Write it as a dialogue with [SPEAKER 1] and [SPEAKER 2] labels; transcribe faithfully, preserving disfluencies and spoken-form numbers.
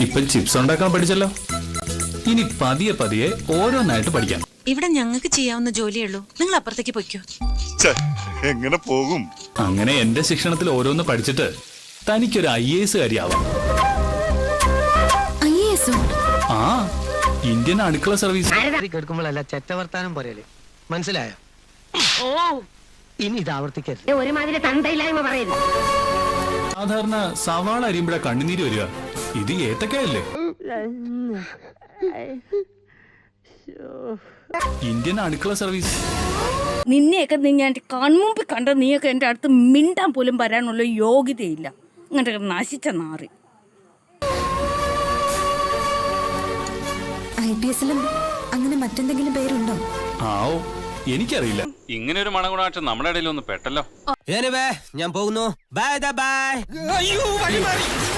[SPEAKER 1] ഇപ്പൊ ചിപ്സ് ഉണ്ടാക്കാൻ പഠിച്ചല്ലോ, ഇനി പതിയെ പതിയെ ഓരോന്നായിട്ട് പഠിക്കാം.
[SPEAKER 2] ഇവിടെ ഞങ്ങൾക്ക് ചെയ്യാവുന്ന ജോലിയുള്ളൂ, നിങ്ങൾ അപ്പുറത്തേക്ക് പൊയ്ക്കോ.
[SPEAKER 3] എങ്ങനെ പോകും?
[SPEAKER 1] അങ്ങനെ എന്റെ ശിക്ഷണത്തിൽ ഓരോന്ന് പഠിച്ചിട്ട് തനിക്കൊരു ഐ എ എസ് കാര്യാവാം. ആ, ഇന്ത്യൻ അടുക്കള സർവീസ്.
[SPEAKER 4] കേൾക്കുമ്പോഴല്ല ചെറ്റവർത്താനം പറയല്, മനസ്സിലായോ? ഓ, ഇനി ഇത് ആവർത്തിക്കരുത്.
[SPEAKER 5] ഒരുമാതിരി തന്തയില്ലായ്മ പറയരുത്.
[SPEAKER 1] സാധാരണ സവാള അരിയുമ്പോഴാ കണ്ണുനീര് വരിക, ഇത് ഏത്തക്കയല്ലേ? ഇന്ത്യൻ അടുക്കള സർവീസ്.
[SPEAKER 6] നിന്നെയൊക്കെ ഞാൻ കൺമുമ്പിൽ കണ്ട നീയൊക്കെ എൻ്റെ അടുത്ത് മിണ്ടാൻ പോലും വരാനുള്ള യോഗ്യതയില്ല. അങ്ങനത്തെ നശിച്ച നാറി.
[SPEAKER 7] ഐ പി എസിലും അങ്ങനെ മറ്റെന്തെങ്കിലും പേരുണ്ടോ?
[SPEAKER 1] ആവോ, എനിക്കറിയില്ല.
[SPEAKER 8] ഇങ്ങനെ ഒരു മണഗുണാക്ഷം നമ്മുടെ ഇടയിൽ ഒന്ന് പെട്ടല്ലോ.
[SPEAKER 4] ഞാൻ പോകുന്നു. Bye bye. അയ്യോ, വഴി മാറി.